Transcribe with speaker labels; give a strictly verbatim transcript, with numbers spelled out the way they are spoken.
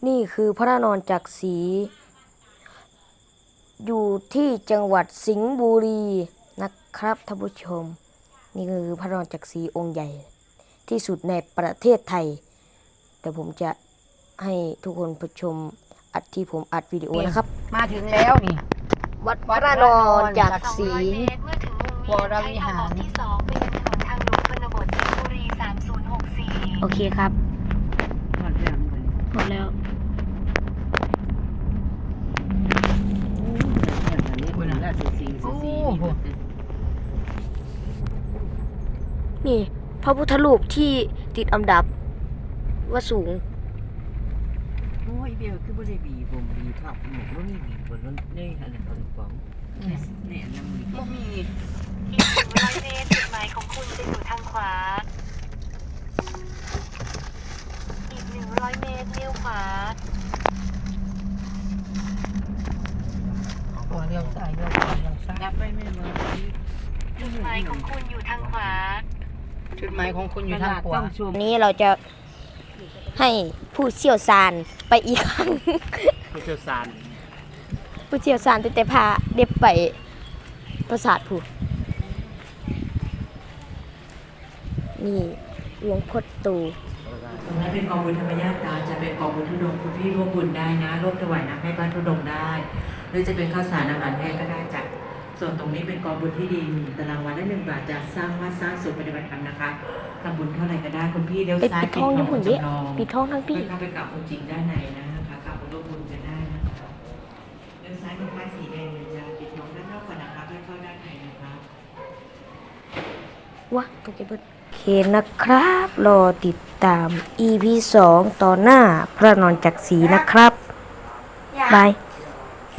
Speaker 1: นี่คือพระนอนจักรศรีอยู่ที่จังหวัดสิงห์บุรีนะครับท่านผู้ชมนี่คือพระนอนจักรศรีองค์ใหญ่ที่สุดในประเทศไทยแต่ผมจะให้ทุกคนผู้ชมอัดที่ผมอัดวิดีโอนะครับ
Speaker 2: มาถึงแล้วนี่
Speaker 1: วัดพระนอนจักรศรี
Speaker 2: วรวิหาร
Speaker 3: ที่สองไปยังถนนทางหลวงชนบทสิงห์บุรีสามศูนย์หกสี่
Speaker 1: โอเคครับ
Speaker 2: หมดแล้ว
Speaker 1: หมดแล้วนี่พระพุทธรูปที่ติดอันดับว่าสูง
Speaker 2: โอ้ยเบลคือบ่ได้บีผมบีทับหมกบ่มีบีบนนั้นได้ขนาดนั้นป๋องเนี่ยนำบีบ่มี
Speaker 3: อีกหนึ่งร้อยเมตรจุดหมายของคุณจะอยู่ทางขวาอีกหนึ่งร้อยเมตรเลี้ยวขวา
Speaker 2: ตัวเลี้ยวซ้ายเลี้ยวขวาเลี้ยวซ้ายยับไปไม่มา
Speaker 3: จุดหมายของคุณอยู่ทางขวา
Speaker 2: จุดหมายของคุณอยู่ทางขวา
Speaker 1: นี้เราจะให้ผู้เชี่ยวชาญไปอีกครั้ง
Speaker 4: ผู้เชี่ยวชาญ
Speaker 1: ผู้เชี่ยวชาญแต่แต่พาเด็บไปปราสาทผู้นี่หลวงพ่อตู
Speaker 5: ตรงนั้นเป็นกองบุญธรรมญาตราจะเป็นกองบุญทุดงคุณพี่ร่วมบุญได้นะร่วมถวายน้ำให้บ้านทุดงได้หรือจะเป็นข้าวสารอาหารแห้งก็ได้จ้ะส่วนตรงนี้เป็นกองบุญที่ดินตารางวาละหนึ่งบาทจะสร้างวัดสร้างศูนย์ปฏิบัติธรรมนะคะทำบุญเท่าไหร่ก็ได้คุณพี่เลี้ยวซ้าย
Speaker 1: ปิดท้องญี่ปุ่นดิปิดท้องทั้งพี่
Speaker 5: เข้าไปกราบองค์จริงด้านในนะคะกราบร่วมบุญกันได้นะคะเลี้ยวซ้ายเป็นป้ายสีแดงจะปิดท้องด้านนอกก่อนนะคะค่อยเข้าด้านในนะคะ
Speaker 1: วะตกใจเบิดโอเคนะครับรอติดตาม อี พี สองตอนหน้าพระนอนจักรศรีนะครับบาย